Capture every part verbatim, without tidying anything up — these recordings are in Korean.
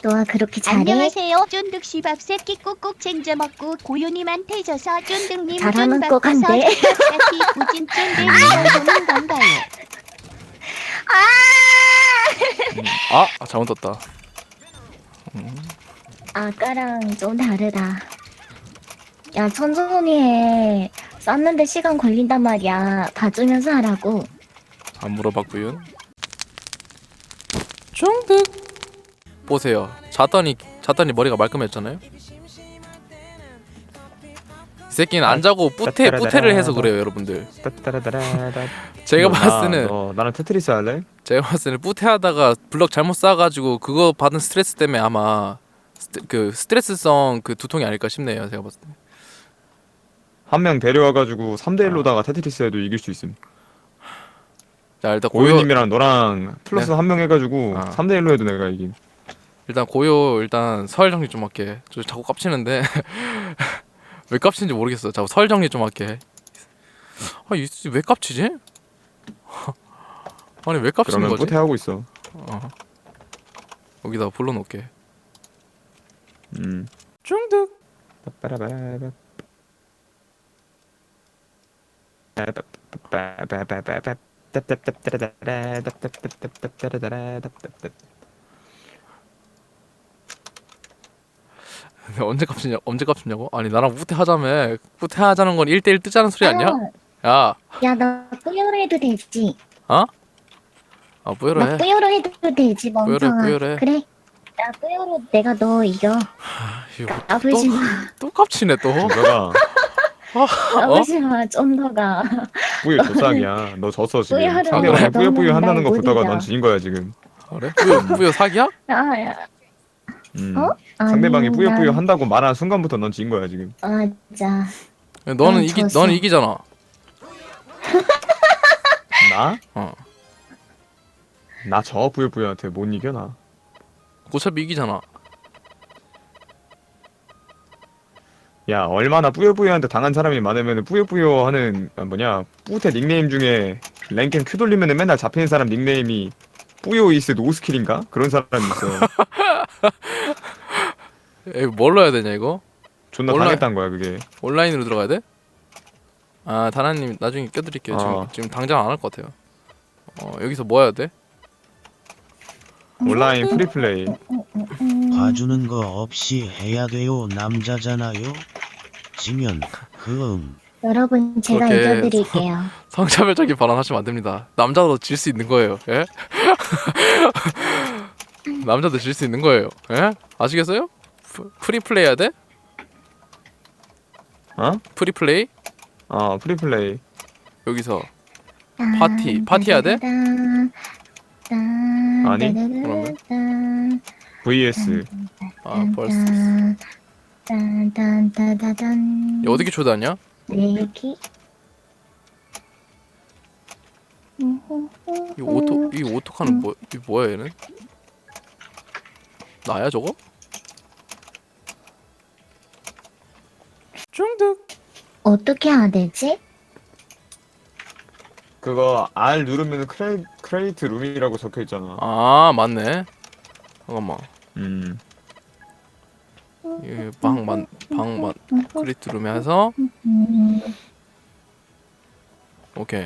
너가 그렇게 잘해? 안녕하세요. 쫀득씨밥 새끼 꾹꾹 챙겨 먹고 고유님한테 져서 쫀득님 잘하는 쫀 것 바꿔서 같네. 쫀득같이 우진 쫀득님을 보는 건가요? 아! 아 잘못 떴다. 아까랑 좀 다르다. 야, 천천히 해. 쌌는데 시간 걸린단 말이야. 봐주면서 하라고. 안 물어봤구요. 중득. 보세요. 잤더니 잤더니 머리가 말끔했잖아요. 이 새끼는 안 자고 뿌테 뿌테를 해서 그래요, 여러분들. 따따라따라따. 제가 너, 봤을 때는 나, 너 나랑 테트리스 할래? 제가 봤을 때는 뿌테하다가 블럭 잘못 쌓아가지고 그거 받은 스트레스 때문에 아마 스트, 그 스트레스성 그 두통이 아닐까 싶네요. 제가 봤을 때. 한 명 데려와가지고 삼 대 일로다가 테트리스 해도 이길 수 있음. 자 일단 고요 고유님이랑 너랑 플러스 네. 한 명 해가지고 아. 삼 대 일로 해도 내가 이김. 일단 고요 일단 설 정리 좀 할게. 저 자꾸 깝치는데 왜 깝치는지 모르겠어. 자꾸 설 정리 좀 할게. 아이왜 깝치지? 아니 왜 깝치는 그러면 거지? 뿌테 하고 있어. 어. 여기다 불러놓을게. 음. 중득. 빠빠라바바. 빠빠빠빠빠빠. 따따따따따라따따따따따따따따따따따따따. 언제 깝치냐? 언제 깝치냐고? 아니 나랑 뿌테 하자며. 뿌테 하자는 건 일 대일 뜨자는 소리 아니야? 야, 야, 나 뿌요로 해도 되지. 어? 아 뿌여로 나 해. 뿌요로 해도 되지, 뿌요로 해, 멍청아. 뿌요로 해. 그래. 나 뿌요로 내가 너 이겨. 이거 아프지 마. 또 깝치네 또. 너가 어? 아프지 마, 좀 더가. 뿌유 조상이야. 너 졌어 지금. 뿌유하는 상대방이 거야. 뿌요 뿌요 너는 한다는 거 날 보다가 못 넌 이겨. 지인 거야 지금. 그래? 뿌여 뿌여 사기야? 아, 야. 음. 어? 상대방이 아니, 뿌요 뿌요 난- 한다고 말한 순간부터 넌 지인 거야 지금. 맞아. 너는 난 이기 졌어. 너는 이기잖아. 나? 어. 나 저 뿌요 뿌요한테 못 이겨 나. 어차피 이기잖아. 야 얼마나 뿌요뿌요한테 당한 사람이 많으면 뿌요뿌요 하는 아, 뭐냐 뿌테 닉네임 중에 랭겜 큐 돌리면은 맨날 잡히는 사람 닉네임이 뿌요 이스 노스킬인가? 그런 사람이 있어. 에 뭘로 해야 되냐 이거? 존나 온라인- 당했단 거야 그게. 온라인으로 들어가야 돼? 아 다나님 나중에 껴드릴게요. 지금 어. 지금 당장 안 할 것 같아요. 어 여기서 뭐 해야 돼? 온라인 프리플레이. 음, 봐주는 거 없이 해야 돼요. 남자잖아요. 지면 그음 여러분, 제가 그렇게 이겨드릴게요. 성차별적인 발언하시면 안 됩니다. 남자도 질 수 있는 거예요. 예? 남자도 질 수 있는 거예요. 예? 아시겠어요? 프, 프리플레이 해야 돼? 어? 프리플레이? 어 프리플레이. 여기서 파티, 파티 해야 돼? 아니, 그러면? 브이에스. 아 벌써 딴딴따다단. 이거 어떻게 초대하냐? 내기. 이 오토 이 오토카는 뭐 이 뭐야 얘는? 나야 저거? 중득. 어떻게 해야 되지? 그거 R 누르면 크레, 크레이트 룸이라고 적혀 있잖아. 아 맞네. 잠깐만. 음. 이 방만 방만 크리트 룸에 해서 음, 오케이.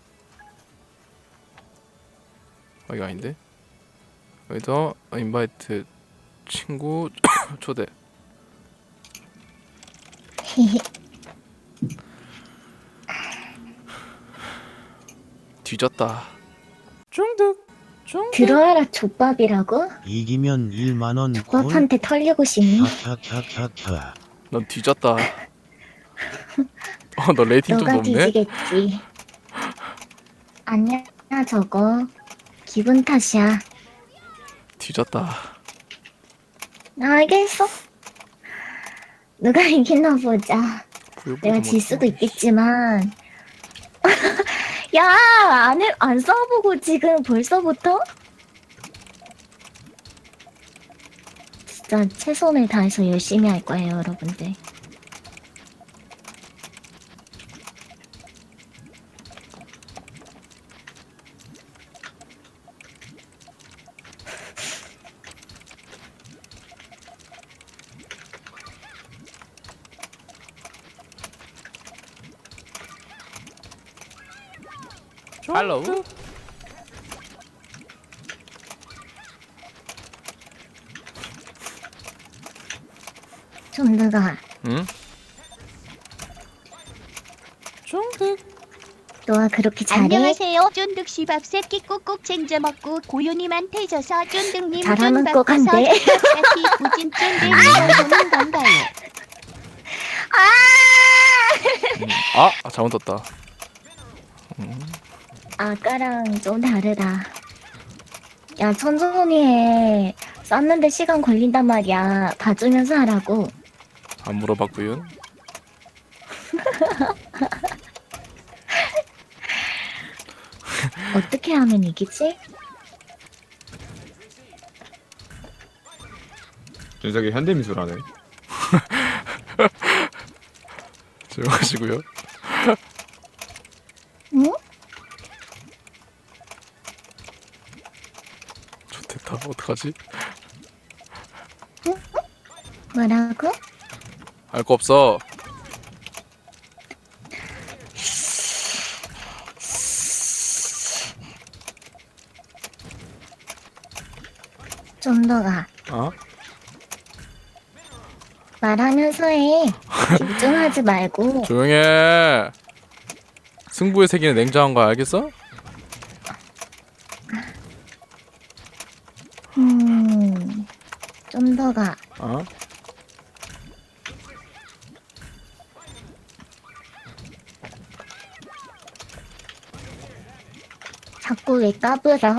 여기 아닌데? 여기서 인바이트 친구 초대. 뒤졌다. 중득. 중득. 들어와라 족밥이라고? 이기면 일만 원 콜. 족밥한테 털리고 싶니? 캬캬캬캬캬. 넌 뒤졌다. 어, 너 레이팅 좀 너가 높네. 뒤지겠지. 아니야 저거 기분 탓이야. 뒤졌다. 알겠어. 누가 이기나 보자. 내가 질 수도 있겠지만. 야, 안, 해, 안 써보고 지금 벌써부터? 진짜 최선을 다해서 열심히 할 거예요, 여러분들. 할로. 좀더가 응? 쫑득. 너가 그렇게 잘해? 안녕하세요. 쫀득 씨밥 새끼 꾹꾹 챙겨 먹고 고요님한테 져서 쫀득님 잘하는 쫀 것 바꿔서 같네. 쫀득같이 부진 쫀득님을 보는 건가요? 아, 아 잘못 떴다. 아까랑 좀 다르다. 야, 천천히 해. 쌌는데 시간 걸린단 말이야. 봐주면서 하라고. 안 물어봤구요. 어떻게 하면 이기지? 준석이 현대미술하네. 조용하시고요. 응? 좋겠다. 어떡하지? 뭐라고? 알 거 없어. 좀더가 어? 말하면서 해. 집중하지 말고. 조용해. 승부의 세계는 냉정한 거 알겠어? 음, 좀더가 어? 자꾸 왜 까불어?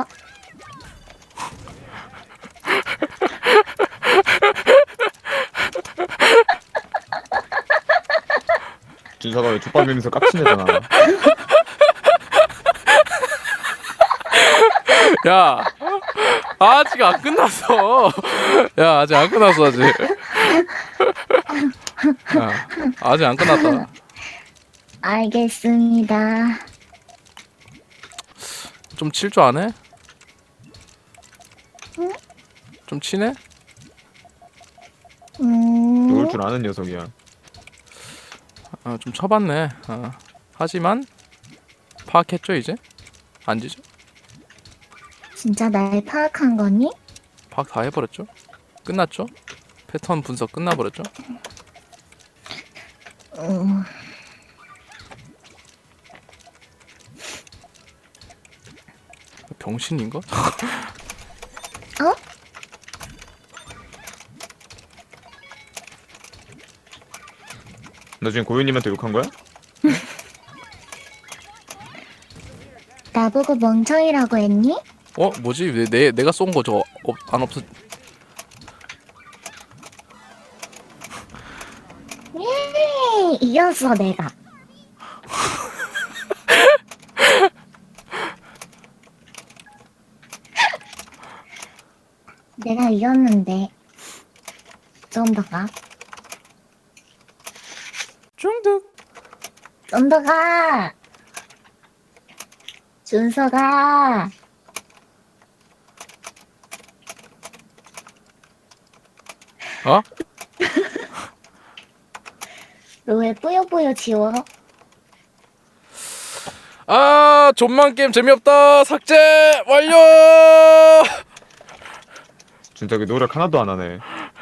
준석아 왜 족밥이면서 깝치냐잖아. 야, 아직 안 끝났어. 야, 아직 안 끝났어 아직. 야, 아직 안 끝났다. 알겠습니다. 좀 칠 줄 아네? 응? 좀 치네? 음, 놓을 줄 아는 녀석이야. 아, 좀 쳐봤네. 아, 하지만 파악했죠 이제? 안 지죠? 진짜 날 파악한 거니? 파악 다 해버렸죠? 끝났죠? 패턴 분석 끝나버렸죠? 음, 병신인가? 어? 너 지금 고유님한테 욕한 거야? 나보고 멍청이라고 했니? 어? 뭐지? 내, 내, 내가 쏜 거 저거 없, 안 없어. 예, 이겼어 내가. 내가 이겼는데 좀 더가 중득. 좀 더가 준서가 어? 너 왜 뿌요뿌요 지워? 아, 존만 게임 재미없다. 삭제 완료. 준석이 노력 하나도 안 하네.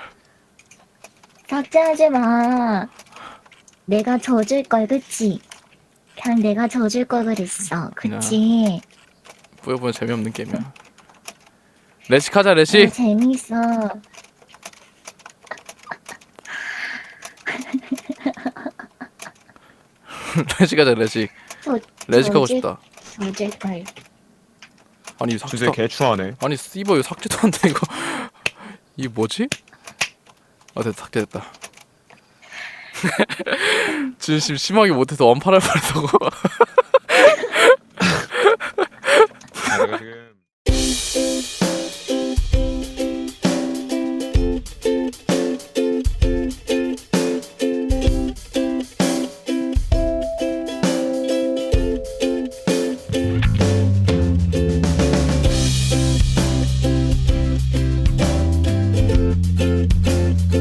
삭제하지 마. 내가 져줄 걸 그치? 그냥 내가 져줄 걸 그랬어 그치? 보여보면 재미없는 게임이야. 레식 하자 어, 레식. 재밌어. 레식 하자 레식. 저, 레식 하고 저질- 싶다. 져줄 걸. 아니 삭제. 준석이 개추하네. 아니 씨버 이거 삭제도 안 돼 이거. 이게 뭐지? 아 됐다 삭제됐다. 진심 심하게 못해서 원팔할 뻔했다고.